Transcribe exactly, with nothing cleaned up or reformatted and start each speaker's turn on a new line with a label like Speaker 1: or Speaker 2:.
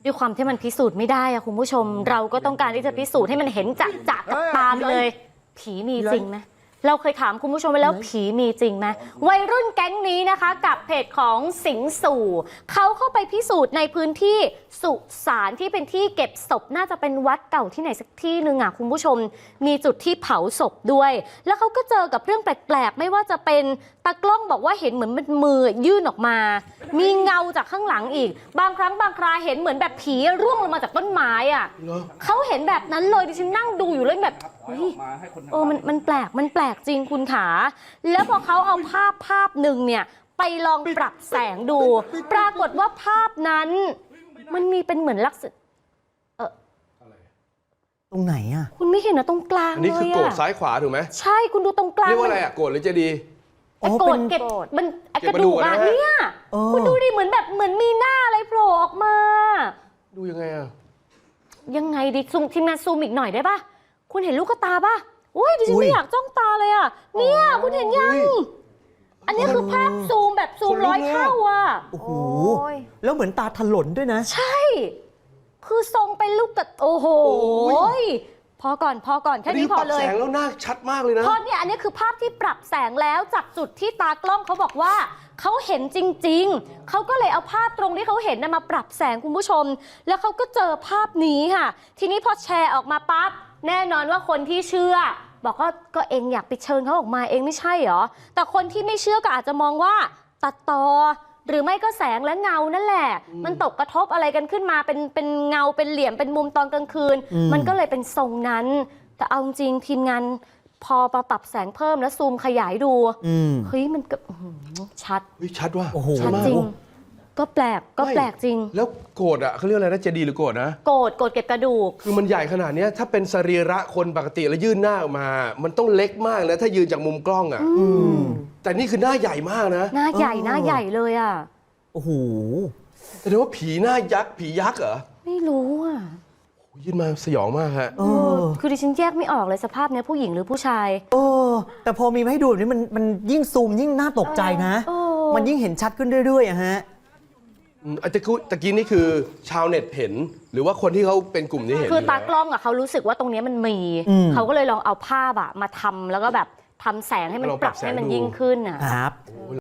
Speaker 1: ด้วยความที่มันพิสูจน์ไม่ได้อะคุณผู้ชมเราก็ต้องการที่จะพิสูจน์ให้มันเห็นจะจะกับตาเลย ผีมีจริงไหมเราเคยถามคุณผู้ชมไปแล้วผีมีจริงไหมวัยรุ่นแก๊งนี้นะคะกับเพจของสิงสู่เขาเข้าไปพิสูจน์ในพื้นที่สุสานที่เป็นที่เก็บศพน่าจะเป็นวัดเก่าที่ไหนสักที่หนึ่งอ่ะคุณผู้ชมมีจุดที่เผาศพด้วยแล้วเขาก็เจอกับเรื่องแปลกๆไม่ว่าจะเป็นตากล้องบอกว่าเห็นเหมือนมันมือยื่นออกมามีเงาจากข้างหลังอีกบางครั้งบางคราเห็นเหมือนแบบผีร่วงลงมาจากต้นไม้อ่ะเขาเห็นแบบนั้นเลยดิฉันนั่งดูอยู่เลยแบบเออมันมันแปลกมันแปลกจริงคุณขาแล้วพอเขาเอาภาพภาพหนึ่งเนี่ยไปลองปรับแสงดูปรากฏว่าภาพนั้นมันมีเป็นเหมือนลักษณะเออ
Speaker 2: ตรงไหนอ่ะ
Speaker 1: คุณไม่เห็นนะตรงกลางเลยอ่ะ
Speaker 3: นี่คือโกรธซ้ายขวาถูกไหม
Speaker 1: ใช่คุณดูตรงกลาง
Speaker 3: เรียกว่าอะไรอ่ะโกรธหรือเจดี
Speaker 1: ไอ้โกรธเก็บมันไอ้กระดูกอ่ะเนี่ยคุณดูดิเหมือนแบบเหมือนมีหน้าอะไรโผล่ออกมา
Speaker 3: ดูยังไงอ่ะ
Speaker 1: ยังไงดิซูมทีมงานซูมอีกหน่อยได้ป่ะคุณเห็นลูกตาป่ะโอ้ยดิฉันไม่อยากจ้องตาเลยอ่ะเนี่ยคุณเห็นยังอันนี้คือภาพซูมแบบซูมร้อยเท่าอ่ะ
Speaker 2: โอ้โหแล้วเหมือนตาถลนด้วยนะ
Speaker 1: ใช่คือทรงเป็นลูกกระโอ้โหพอก่อนพอก่อนแค่นี้พอเลย
Speaker 3: แสงแล้วหน้าชัดมากเลยนะ
Speaker 1: เพราะเนี่ยอันนี้คือภาพที่ปรับแสงแล้วจากจุดที่ตากล้องเขาบอกว่าเขาเห็นจริงๆเขาก็เลยเอาภาพตรงที่เขาเห็นนะมาปรับแสงคุณผู้ชมแล้วเขาก็เจอภาพนี้ค่ะทีนี้พอแชร์ออกมาปั๊บแน่นอนว่าคนที่เชื่อบอกว่าก็เองอยากไปเชิญเขาออกมาเองไม่ใช่เหรอแต่คนที่ไม่เชื่อก็อาจจะมองว่าตัดต่อหรือไม่ก็แสงและเงานั่นแหละมันตกกระทบอะไรกันขึ้นมาเป็นเป็นเงาเป็นเหลี่ยมเป็นมุมตอนกลางคืนมันก็เลยเป็นทรงนั้นแต่เอาจริงทีมงานพอมาปรับแสงเพิ่มแล้วซูมขยายดูเฮ้ยมันก็ชัด
Speaker 3: ชัดว่า
Speaker 1: ชัดจริงก็แปลกก็แปลกจริง
Speaker 3: แล้วโกรธอ่ะเขาเรียกอะไรนะเจดีหรือโกรธนะ
Speaker 1: โกรธโกรธเก็บกระดูก
Speaker 3: คือมันใหญ่ขนาดนี้ถ้าเป็นสรีระคนปกติแล้วยื่นหน้าออกมามันต้องเล็กมากนะถ้ายืนจากมุมกล้องอ่ะแต่นี่คือหน้าใหญ่มากนะ
Speaker 1: หน้าใหญ่หน้าใหญ่เลยอ่ะ
Speaker 2: โอ้โห
Speaker 3: แสดงว่าผีหน้ายักษ์ผียักษ์เหรอ
Speaker 1: ไม่รู้อ่ะ
Speaker 3: ยื่นมาสยองมากฮะ
Speaker 1: คือดิฉันแยกไม่ออกเลยสภาพเนี้ยผู้หญิงหรือผู้ชาย
Speaker 2: เออแต่พอมีมาให้ดูแบบนี้มันมันยิ่งซูมยิ่งน่าตกใจนะมันยิ่งเห็นชัดขึ้นเรื่อยๆอะฮะ
Speaker 3: อาจจะตะกี้นี่คือชาวเน็ตเห็นหรือว่าคนที่เขาเป็นกลุ่มนี้เห็น
Speaker 1: คือตากล้องอ่ะเขารู้สึกว่าตรงนี้มันมีเขาก็เลยลองเอาภาพอะมาทำแล้วก็แบบทำแสงให้มันปรับให้มันยิ่งขึ้นอ่ะ
Speaker 2: ครับ